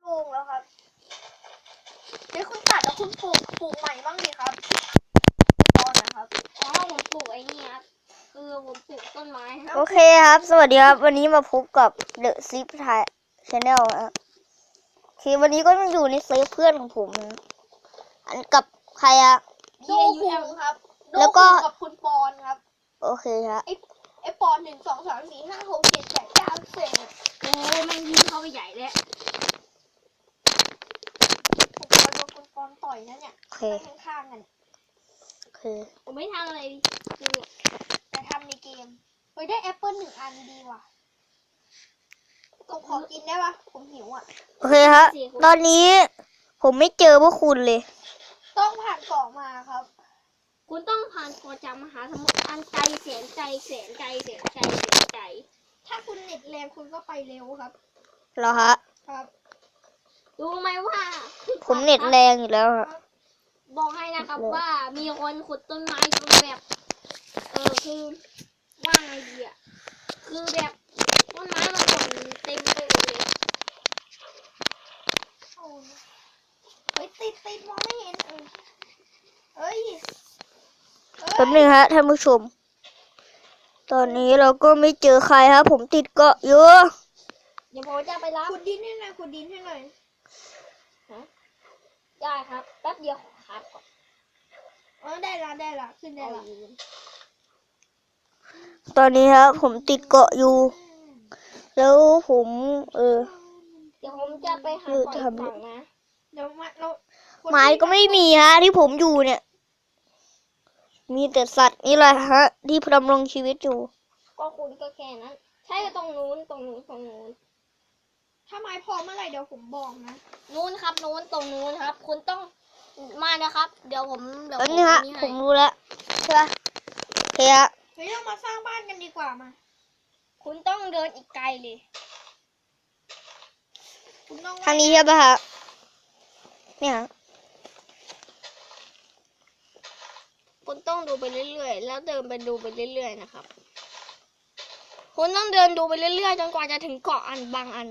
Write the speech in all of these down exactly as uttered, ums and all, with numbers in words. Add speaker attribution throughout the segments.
Speaker 1: ปลูกแล้วครับเดี๋ยวคุณตัดแล้วคุณปลูกปลูกใหม่บ้างดิครับตอนนะครับ
Speaker 2: อ๋อผมปลูกไอ้นี่ครับคือผมปลูกต้นไม้ครับ
Speaker 3: โอเคครับ สวัสดีครับ วันนี้มาพบกับ The Zip Thai Channel นะครับโอเควันนี้ก็มาอยู่ในเซฟเพื่อนของผมนะอันกับใครอะ
Speaker 1: โดคุงครับ
Speaker 3: แล้วก็
Speaker 1: โดคุงกับคุณปอนครับ
Speaker 3: โอเคครับ
Speaker 1: ไอไอปอนหนึ่งสองสามสี่ห้าหกเจ็ดแปดเก้าสิบ
Speaker 2: โอ้แม่งยิ่งเข้าไปใหญ่เลย
Speaker 1: ผมโดนคุณปอนต่อยนะเนี่ย
Speaker 3: โอเค
Speaker 1: นั่งข้างๆกัน
Speaker 3: โอเค
Speaker 2: ผมไม่ทำอะไรคือ
Speaker 1: แต่ทำในเกมเฮ้ยได้แอปเปิลหนึ่งอันดีว่ะผมขอกินได้ปะผมหิวอ่ะ
Speaker 3: โอเคครับ ตอนนี้ผมไม่เจอพวกคุณเลย
Speaker 1: ต้องผ่านเกาะมาครับ
Speaker 2: คุณต้องผ่านก่อจากมหาสมุทรอันไกลแสนไกลแสนไกลแสนไกลแสนไกล
Speaker 1: ถ้าคุณเน็ตแรงคุณก็ไปเร็วครับ
Speaker 3: เหรอฮะ
Speaker 1: ครับ
Speaker 2: รู้ไหมว่า
Speaker 3: ผมเน็ตแรงอยู่แล้วฮะ
Speaker 2: บอกให้นะครับว่ามีคนขุดต้นไม้จนแบบเออคือว่าไงดีอ่ะคือแบบต้นไม้มันหล่นเต็มไปหมดเลย
Speaker 1: โอ้ยเฮ้ยติดติดมองไม่เห็นเออเอ้ยเอ้ย
Speaker 3: แป๊บนึงฮะท่านผู้ชม ตอนนี้เราก็ไม่เจอใครครับ ผมติดเกาะอยู่
Speaker 2: เดี๋ยวผมจะไปรับ
Speaker 1: ขุดดินให้หน่อยขุดดินให้หน่อย
Speaker 2: ได้ครับแป๊บเดียวครับก่อน
Speaker 1: อ๋อได้ละได้ละขึ้นได้
Speaker 2: เอา
Speaker 1: ละ
Speaker 2: ยืน
Speaker 3: ตอนนี้ครับผมติดเกาะอยู่ แล้วผม เออ
Speaker 2: เดี๋ยวผมจะไปหา
Speaker 3: เออ
Speaker 2: ก่อน
Speaker 3: ทำ
Speaker 2: ฝั่งนะ
Speaker 1: เดี๋ยวมาเราคน
Speaker 3: ไม้ก็ไม่มีฮะที่ผมอยู่เนี่ย มีแต่สัตว์นี่แหละฮะ ที่ดำรงชีวิตอยู่
Speaker 2: ก็คุณก็แค่นั้น ใช่ตรงนู้นตรงนู้นตรงนู้น
Speaker 1: ถ้าไม้พอเมื่อไหร่เดี๋ยวผมบอกนะ
Speaker 2: นู้นครับนู้นตรงนู้นครับ คุณต้องมานะครับ เดี๋ยวผมเดี๋ยว
Speaker 3: แป๊บ
Speaker 2: ผม
Speaker 3: นึงฮะ
Speaker 2: นี่
Speaker 3: ผ
Speaker 2: ให้
Speaker 3: มรู้แล้วใช่ปะโอเคฮะ
Speaker 1: เฮ้ยเรามาสร้างบ้านกันดีกว่ามา
Speaker 2: คุณต้องเดินอีกไกลเลย
Speaker 1: คุณต้อง
Speaker 3: ทางนี้ใช่ปะฮะเนี่ยฮะ
Speaker 2: คุณต้องดูไปเรื่อยๆแล้วเดินไปดูไปเรื่อยๆนะครับ คุณต้องเดินดูไปเรื่อยๆจนกว่าจะถึงเกาะอันบางอัน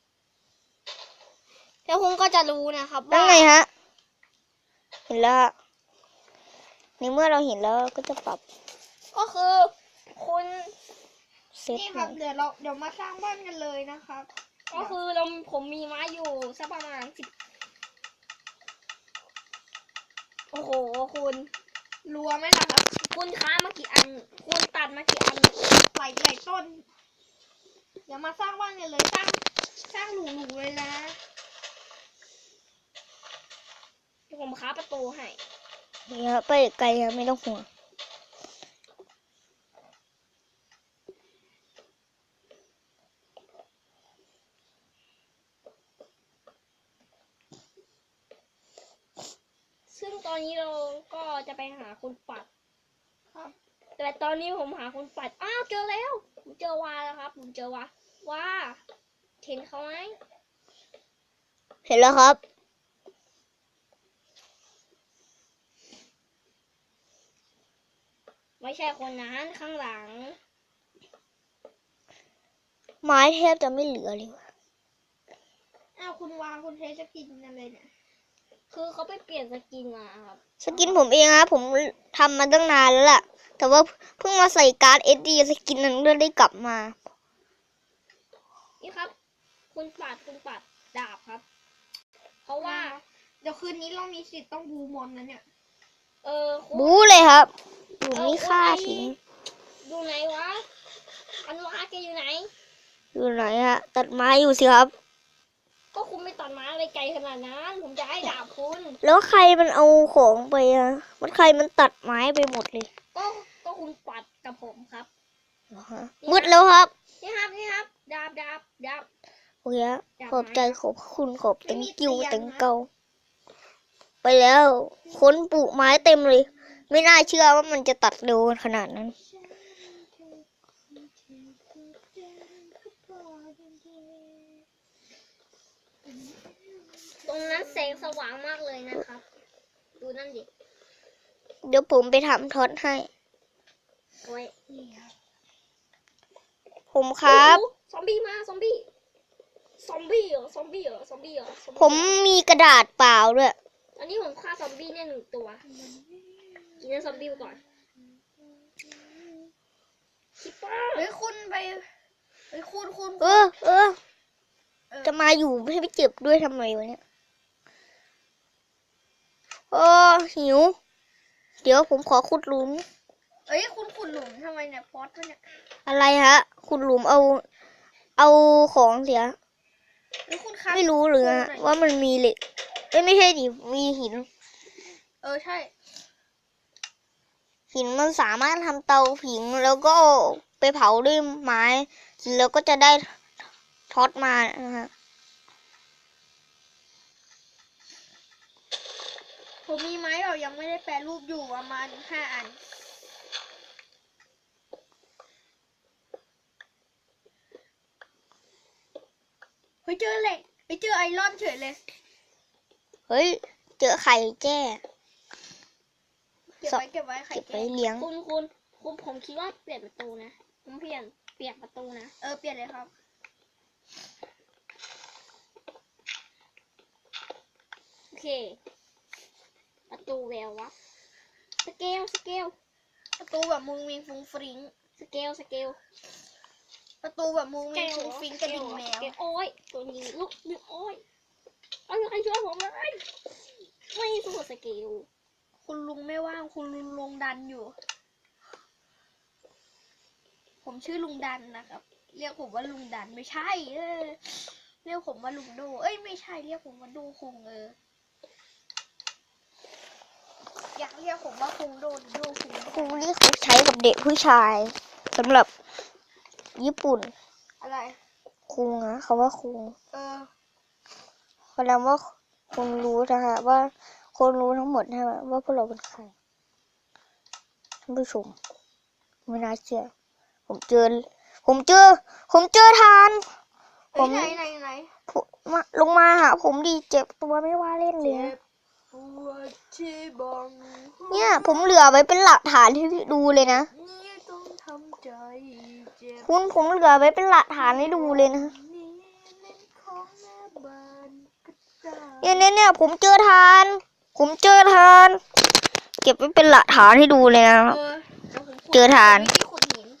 Speaker 2: แล้วคุณก็จะรู้นะครับ
Speaker 3: นั่น
Speaker 2: ว่า
Speaker 3: ไงฮะ เห็นแล้วฮะในเมื่อเราเห็นแล้วก็จะปรับ
Speaker 2: ก็คือคุณ
Speaker 3: เซต
Speaker 1: นี่
Speaker 3: ให
Speaker 1: ครั
Speaker 3: ม่
Speaker 1: บเดี๋ยวเราเดี๋ยวมาสร้างบ้านกันเลยนะครับ
Speaker 2: ก็คือเราผมมีไม้อยู่สักประมาณสิบโอ้โหคุณ
Speaker 1: รัวไหมล่ะครับ
Speaker 2: คุณค้ามากี่อัน คุณตัดมากี่อัน
Speaker 1: หลายหลายต้น เดี๋ยวมาสร้างบ้านกันเลยสร้างสร้างหรูๆเลยนะ
Speaker 2: เดี๋ยวผมค้าประตูให้
Speaker 3: นี่ฮะไปไกลฮะไม่ต้องห่วง
Speaker 2: ซึ่งตอนนี้เราก็จะไปหาคุณปัด
Speaker 1: ครับ
Speaker 2: แต่ตอนนี้ผมหาคุณปัด อ้าวเจอแล้ว ผมเจอวาแล้วครับ ผมเจอวาว่าเห็นเขาไหม
Speaker 3: เห็นแล้วครับ
Speaker 2: ไม่ใช่คนนั้นข้างหลัง
Speaker 3: ไม้แทบจะไม่เหลือเลยว่ะ
Speaker 1: อ้าวคุณวางคุณเทสกินอะไรเนี่ย
Speaker 2: คือเขาไปเปลี่ยนสกินมาครับ
Speaker 3: สกินผมเองฮะผมทำมาตั้งนานแล้วล่ะ แต่ว่าเพิ่งมาใส่การ์ด เอส ดี สกินนั้นก็ได้กลับมา
Speaker 2: นี่ครับ คุณปัดคุณปัดดาบครับ เพราะว่า
Speaker 1: เดี๋ยวคืนนี้เรามีสิทธิ์ต้องบูมอนนะเนี่ย
Speaker 2: เออคุณ
Speaker 3: บู๊เลยครับผมนี่ฆ่าทิ้ง
Speaker 2: อยู่ไหนวะ อันวาแกอยู่ไหน
Speaker 3: อยู่ไหนฮะ ตัดไม้อยู่สิครับ
Speaker 2: ก็คุณไม่ตัดไม้อะไรไกลขนาดนั้น ผมจะให้ดาบคุณ
Speaker 3: แล้วใครมันเอาของไปอะมันใครมันตัดไม้ไปหมดเลย
Speaker 2: ก็ก็คุณปัดกับผมครับ
Speaker 3: เหรอฮะมืดแล้วครับ
Speaker 2: นี่ครับนี่ครับ ดาบดาบดาบ
Speaker 3: โอเคฮะ
Speaker 2: อยาก
Speaker 3: ขอบใจ
Speaker 2: ไหม
Speaker 3: ขอบคุณขอบ
Speaker 1: ไม่
Speaker 3: เต็ง
Speaker 1: มี
Speaker 3: กิ้ว
Speaker 1: เตียง
Speaker 3: เต็ง
Speaker 1: นะ
Speaker 3: เกาไปแล้ว ค้นปลูกไม้เต็มเลย ไม่น่าเชื่อว่ามันจะตัดเร็วขนาดนั้น
Speaker 2: ตรงนั้นแสงสว่างมากเลยนะครับ ดูนั่นดิ
Speaker 3: เดี๋ยวผมไปทำท็อตให้
Speaker 2: โอ้ย
Speaker 3: ผมครับ
Speaker 2: โอ้โหซอมบี้มาซอมบี้ซอมบี้เหรอซอมบี้เหรอซอมบี้เหรอซอมบี้
Speaker 3: ผมมีกระดาษเปล่าด้วย
Speaker 2: ตอนนี้ผมฆ่าซอมบี้เนี่ยหนึ่งตัวกินเนื้อซอมบี้ไปก่อนคิปเปอร์
Speaker 1: เฮ้ยคุณไปเฮ้ยคุณคุณ
Speaker 3: เออ เออ จะมาอยู่ให้ไปเจ็บด้วยทำไมวะเนี่ยโอ้หิว เดี๋ยวผมขอขุดหลุม
Speaker 1: เอ้ยคุณขุดหลุมทำไมเนี่ยพอดมันเนี่ย
Speaker 3: อะไรฮะ ขุดหลุมเอา เอาของเสีย
Speaker 1: เฮ้ยคุณครับ
Speaker 3: ไม่รู้เลยฮะว่ามันมีเหล็กเอ้ยไม่ใช่ดิมีหิน
Speaker 1: เออใช่
Speaker 3: หินมันสามารถทำเตาผิงแล้วก็ไปเผาด้วยไม้แล้วก็จะได้ท็อตมานะฮะ
Speaker 1: ผมมีไม้แบบยังไม่ได้แปรรูปอยู่ประมาณห้าอันเฮ้ยเจอเหล็กเฮ้ยเจอไอรอนเฉยเลย
Speaker 3: เฮ้ย เจอไข่แจ้
Speaker 1: เก็บไว้เก็บไว้ไข่
Speaker 3: เก็บ
Speaker 1: แก้
Speaker 3: ไว้เลี้ยง
Speaker 2: คุณคุณคุณผมคิดว่าเปลี่ยนประตูนะผมเปลี่ยนเปลี่ยนประตูนะ
Speaker 1: เออเปลี่ยนเลยครับ
Speaker 2: โอเค ประตูแวววะสเกลสเกล
Speaker 1: ประตูแบบมุงมิงฟุ้งฟริ้ง
Speaker 2: สเกลสเกล
Speaker 1: ประตูแบบมุงมิงฟุ้งฟริ้งกระดิ่งแมว
Speaker 2: สเกลโอ้ยตัวนี้ลูกนึกโอ้ยเอาใครช่วยผมเลยไม่สู้สเกล
Speaker 1: คุณลุงไม่ว่างคุณลุงลงดันอยู่ ผมชื่อลุงดันนะครับ เรียกผมว่าลุงดันไม่ใช่ เออ เรียกผมว่าลุงโด เอ้ยไม่ใช่เรียกผมว่าโดคุงเออ อยากเรียกผมว่าคุงโดหรือโดคุง
Speaker 3: ครูนี่เขาใช้กับเด็กผู้ชายสำหรับญี่ปุ่น
Speaker 1: อะไร
Speaker 3: คุงนะเขาว่าคุง
Speaker 1: เออ
Speaker 3: แสดงว่าคนรู้นะคะว่าคนรู้ทั้งหมดใช่ไหมว่าพวกเราเป็นใครท่านผู้ชมไม่น่าเชื่อ ผมเจอ ผมเจอ ผมเจอทาน ผ
Speaker 1: เฮ้ย
Speaker 3: ม
Speaker 1: ไหนไหนไหน
Speaker 3: ผมมาลงมาหาผมดีเจ็บตัวไม่ว่าเล่นเลยนะ
Speaker 1: ปวดที่บัง
Speaker 3: เนี่ย ผมเหลือไว้เป็นหลักฐานให้ดูเลยนะ
Speaker 1: นี่ต้องทำใจเจ็บ
Speaker 3: คุณผมเหลือไว้เป็นหลักฐานให้ดูเลยนะ
Speaker 1: นี่เล่นของแม่บ้านก็ได้
Speaker 3: เนี่ยเนี่ยเนี่ยผมเจอทาน ผมเจอทาน เก็บไว้เป็นหลักฐานให้ดูเลยนะครับ
Speaker 1: เออดี๋ยวผมขุด
Speaker 3: เจอทาน
Speaker 1: วิธีขุดหิน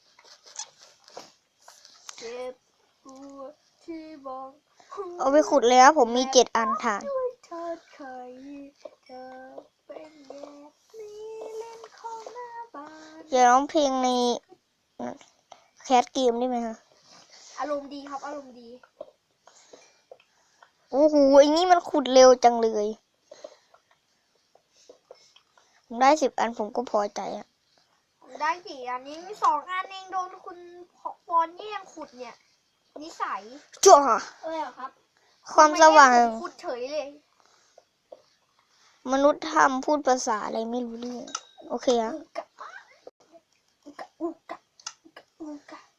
Speaker 1: เจ็บปวดที่บัง
Speaker 3: เอาไปขุดเลยครับผมมีเจ็ดอันฐาน
Speaker 1: ด้วยเธอเคยเธอเป็นแบบนี้เล่นของแม่บ้าน
Speaker 3: อย่าร้องเพลงในแคสเกมได้ไหมคะ
Speaker 1: อารมณ์ดีครับอารมณ์ดี
Speaker 3: โอ้โหไอ้นี่มันขุดเร็วจังเลย ผมได้สิบอันผมก็พอใจอะ
Speaker 1: ผมได้กี่อันนี้มีสองอันเองโดนคุณปอนแย่งขุดเนี่ย นิสัย
Speaker 3: จ้า
Speaker 2: เอ้ยเหรอครับ
Speaker 3: ความสว่าง
Speaker 1: ไม่แย่ผมขุดเฉยเลย
Speaker 3: มนุษย์ทำพูดภาษาอะไรไม่รู้เรื่องโอเคอะ
Speaker 1: อุกะอุกะอุกะอุกะ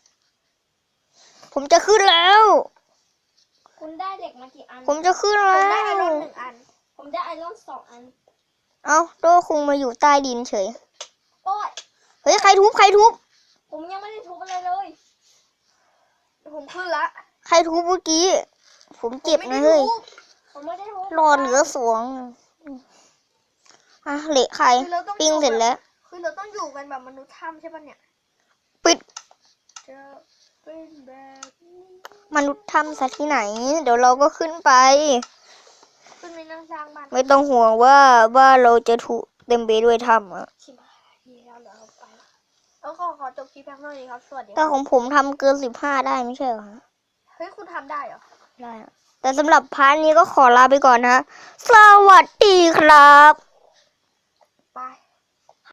Speaker 3: ผมจะขึ้นแล้ว
Speaker 2: คุณได้เหล็กมากี่อัน
Speaker 3: ผมจะขึ้น
Speaker 1: ผม
Speaker 3: แล้
Speaker 1: ได้ไอรอ
Speaker 3: ว
Speaker 1: นหนึ่งอัน
Speaker 2: ผมได้ไอรอนสองอัน
Speaker 3: เอ้าโดคุงมาอยู่ใต้ดินเฉย
Speaker 2: โอ้ย
Speaker 3: เฮ้ยใครทุบใครทุบ
Speaker 2: ผมยังไม่ได้ทุบอะไรเลย
Speaker 1: ผมขึ้นละ
Speaker 3: ใครทุบเมื่อกี้ ผมเจ็บ
Speaker 1: ผม
Speaker 3: นะ
Speaker 1: ไม่ได้
Speaker 3: เฮ้ย
Speaker 1: ทุบ
Speaker 2: ผมไม่ได้ทุบ
Speaker 3: รอเหลือสองอ่ะเหละใคร
Speaker 1: คือเราต้อง
Speaker 3: ปิ้งเสร็จแล้ว
Speaker 1: คือเราต้องอยู่กันแบบมนุษย์ถ้ำใช่ปะเนี่ย
Speaker 3: ปิด
Speaker 1: จะเป็นแบบนี้
Speaker 3: มนุษย์ถ้ำซะที่ไหน เดี๋ยวเราก็ขึ้นไป
Speaker 1: ขึ้นไปนั่งสร้างบ้าน
Speaker 3: ไม่ต้องห่วงว่าว่าเราจะถูกเต็มไปด้วยถ้ำอะ
Speaker 1: ชิบหายดีแล้วเหรอเอาไปละแล้วขอขอจบคลิปแป๊บนึงดีครับ สวัสดีค
Speaker 3: แต่
Speaker 1: รับ
Speaker 3: ของผมทำเกินสิบห้าได้ไม่ใช่เหรอฮะ
Speaker 1: เฮ้ยคุณทำได้เหรอ
Speaker 3: ได้อะแต่สำหรับพาร์ทนี้ก็ขอลาไปก่อนนะ สวัสดีครับ